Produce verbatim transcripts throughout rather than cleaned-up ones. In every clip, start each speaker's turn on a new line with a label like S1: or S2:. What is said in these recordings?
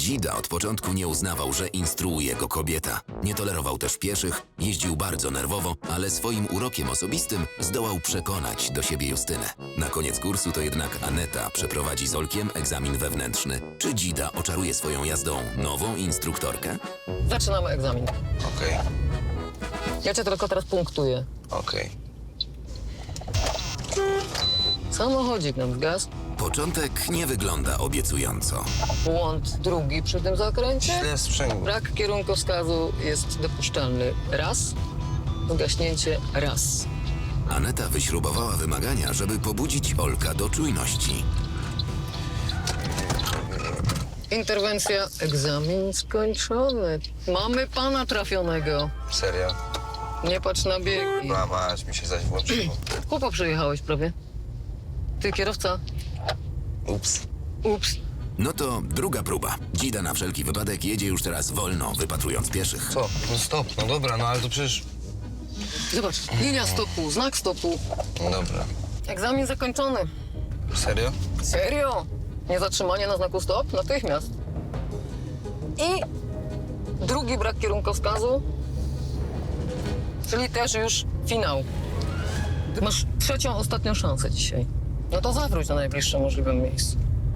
S1: Dzida od początku nie uznawał, że instruuje go kobieta. Nie tolerował też pieszych, jeździł bardzo nerwowo, ale swoim urokiem osobistym zdołał przekonać do siebie Justynę. Na koniec kursu to jednak Aneta przeprowadzi z Olkiem egzamin wewnętrzny. Czy Dzida oczaruje swoją jazdą nową instruktorkę?
S2: Zaczynamy egzamin.
S3: Okej,
S2: Ja cię tylko teraz punktuję.
S3: okej.
S2: Samochodzik nam zgasł.
S1: Początek nie wygląda obiecująco.
S2: Błąd drugi przy tym zakręcie.
S3: Źle sprzęgło.
S2: Brak kierunkowskazu jest dopuszczalny raz. Gaśnięcie raz.
S1: Aneta wyśrubowała wymagania, żeby pobudzić Olka do czujności.
S2: Interwencja, egzamin skończony. Mamy pana trafionego.
S3: Serio?
S2: Nie patrz na biegi.
S3: No mać, mi się zaś włączyło.
S2: Chłopa przyjechałeś prawie. Ty kierowca.
S3: Ups.
S2: Ups.
S1: No to druga próba. Dzida na wszelki wypadek jedzie już teraz wolno, wypatrując pieszych.
S3: Co? No stop, no dobra, no ale to przecież...
S2: Zobacz, linia stopu, znak stopu.
S3: No dobra.
S2: Egzamin zakończony.
S3: Serio?
S2: Serio? Niezatrzymanie na znaku stop? Natychmiast. I drugi brak kierunkowskazu, czyli też już finał. Masz trzecią, ostatnią szansę dzisiaj. No to zawróć na najbliższym możliwym miejscu.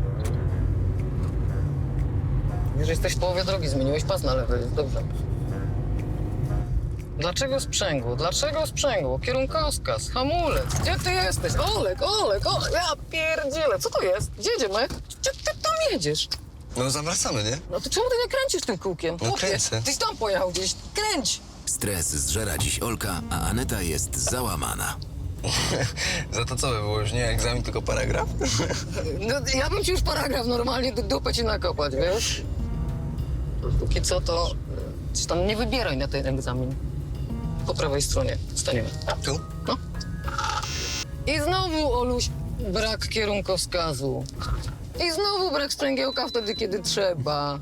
S2: Wiesz, że jesteś w połowie drogi, zmieniłeś pas na lewy, jest dobrze. Dlaczego sprzęgło? Dlaczego sprzęgło? Kierunkowskaz, hamulec. Gdzie ty jesteś? Olek, Olek, Olek, ja pierdzielę. Co to jest? Gdzie jedziemy? Gdzie ty tam jedziesz?
S3: No zawracamy, nie?
S2: No to czemu ty nie kręcisz tym kółkiem?
S3: No
S2: Chłopie,
S3: kręcę.
S2: Tyś tam pojechał gdzieś. Kręć!
S1: Stres zżera dziś Olka, a Aneta jest załamana.
S3: Za to co by było? Już nie egzamin, tylko paragraf?
S2: No, ja bym ci już paragraf normalnie do dupę ci nakopać, wiesz? Póki co to... Coś tam nie wybieraj na ten egzamin. Po prawej stronie staniemy.
S3: Tu?
S2: No. I znowu, Oluś, brak kierunkowskazu. I znowu brak sprzęgiełka wtedy, kiedy trzeba.